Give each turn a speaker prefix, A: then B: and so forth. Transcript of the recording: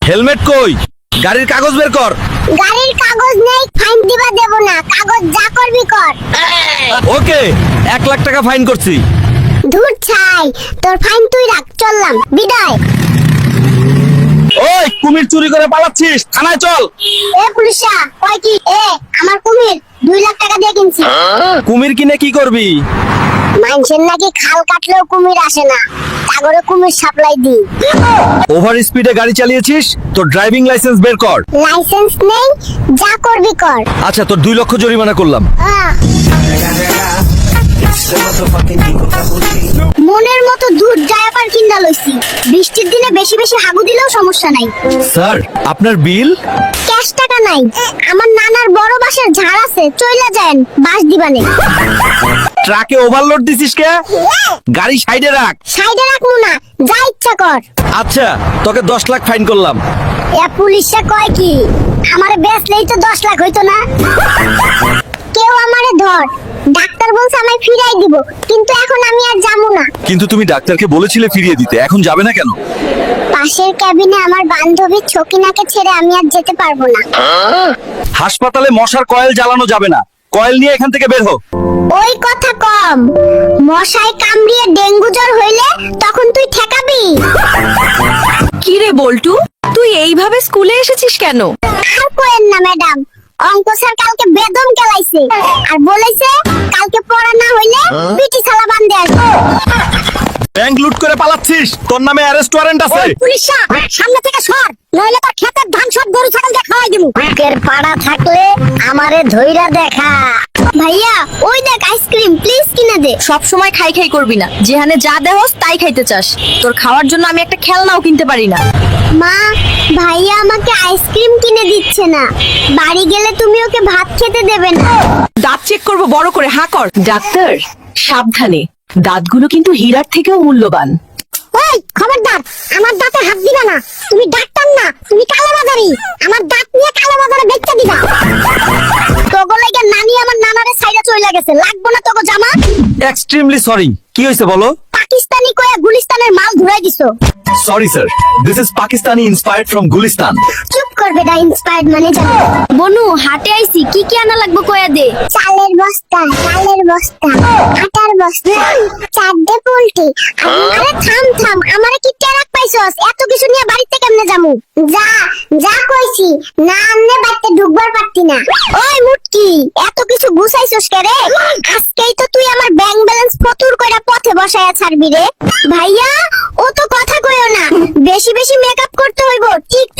A: Helmet কই? গাড়ির কাগজ বের কর।
B: গাড়ির কাগজ নেই, ফাইন দিবা দেব না, কাগজ যা করবি কর।
A: ওকে, 1 লাখ টাকা ফাইন করছি।
B: ধুর ছাই, তোর ফাইন তুই রাখ, চললাম, বিদায়।
A: ওই কুমির চুরি করে পালাচ্ছিস, থানায় চল।
B: এ পুলিশা, কয় কি? আমার কুমির 2 লাখ টাকা দিয়ে কিনছি।
A: কুমির কিনে কি করবি?
B: মানুষের নাকি খাল কাটলেও কুমির আসে না, সাগরে কুমির সাপ্লাই দিই।
A: ওভার স্পিডে গাড়ি চালিয়েছিস, তোর ড্রাইভিং লাইসেন্স বের কর।
B: লাইসেন্স নেই, যা করবি কর।
A: আচ্ছা, তোর 2 লক্ষ জরিমানা করলাম।
B: মনের মতো দুধ জায়াপার কিনা লইছি, বৃষ্টির দিনে বেশি বেশি হাগু দিলেও সমস্যা নাই।
A: স্যার, আপনার বিল?
B: ক্যাশ টাকা নাই, আমার নানার বড় বাসার ঝাড় আছে, চইলা যান, বাস দিবানে।
A: ট্রাকে ওভারলোড দিছিস কে? গাড়ি সাইডে রাখ।
B: সাইডে রাখবো না, যা ইচ্ছা কর।
A: আচ্ছা, তোকে 10 লাখ ফাইন করলাম।
B: এ পুলিশে কয় কি? আমারে বেচলেই তো 10 লাখ হইতো না। কেউ আমারে ধর, ডাক্তার বলছে আমায় ফিরাই দিব, কিন্তু এখন আমি আর যাবো না।
A: কিন্তু তুমি ডাক্তারকে বলেছিলে ফিরিয়ে দিতে, এখন যাবে না কেন?
B: পাশের ক্যাবিনে আমার বান্ধবী ছকিনাকে ছেড়ে আমি আর যেতে পারবো না।
A: হাসপাতালে মশার কয়েল জ্বালানো যাবে না, কয়েল নিয়ে এখান থেকে বের হো।
B: ওই কথা কম, মশায় কামড়িয়ে ডেঙ্গু জ্বর হইলে তখন তুই ঠেকাবি?
C: কি রে বল্টু, তুই এইভাবে স্কুলে এসেছিস কেন?
B: আর কোয়েন না ম্যাডাম, অঙ্ক স্যার কালকে বেদম কেলাইছে আর বলেছে কালকে পড়া না হইলে পিটি ছালা বান্ধে আসবো।
A: ব্যাংক লুট করে পালাচ্ছিস, তোর নামে অ্যারেস্ট ওয়ারেন্ট আছে।
B: পুলিশা, সামনে থেকে সর, নইলে তোর ক্ষেতের ধান সব গরু ছাগল দিয়ে খাওয়াই দিমু। বুকের পাড়া থাকলে আমারে ধইরা দেখা। ভাইয়া, ওই দেখ আইসক্রিম, প্লিজ কিনে দে।
C: সব সময় খাই খাই করবি না, যেখানে যা দেহস তাই খাইতে চাস। তোর খাওয়ার জন্য আমি একটা খেলনাও কিনতে পারি না।
B: মা, ভাইয়া আমাকে আইসক্রিম কিনে দিচ্ছে না, বাড়ি গেলে তুমি ওকে ভাত খেতে দেবে না।
C: দাঁত চেক করবো বড় করে, হাঁ কর। ডাক্তার, সাবধানে, দাঁতগুলো কিন্তু হীরার থেকেও মূল্যবান।
B: ওই খবরদার, আমার দাঁতে হাত দিবা না, তুমি ডাক্তার না, তুমি কালোবাজারি। আমার দাঁত নিয়ে কালোবাজারে বেচতে দিবা। তোগো লাগা নানি আমার নানারে সাইডে চইলা গেছে, লাগবো না তোগো জামা।
A: Extremely sorry. কি হয়েছে বলো?
B: পাকিস্তানি কয়া গুলিস্তানের মাল ঘুরাই দিছো।
A: Sorry sir, this is Pakistani inspired from Gulistan.
B: চুপ করবে না, ইন্সপায়ার্ড মানে জানো।
C: বনু, হাটে আইছি, কি কি আনা লাগবে কয়া দে।
B: চালের বস্তা, ডালের বস্তা, আটার বস্তা, 4 পোল্ট্রি। আরে থাম থাম, আমারে কি টেরাক পাইছস? এত কিছু নিয়ে বাড়িতে কেমনে যামু? যা যা কইছি, না আনলে বাড়িতে ঢুকবার পারতি না। ওই মুটকি, এত কিছু গুছাইছস কে রে? আজকেই তো তুই আমার ব্যাংক ব্যালেন্স ফতুর কইরা পথে বসায়া ছাড়বি রে। ভাইয়া, ও তো কথা কইও না, বেশি বেশি মেকআপ করতে হইব, ঠিক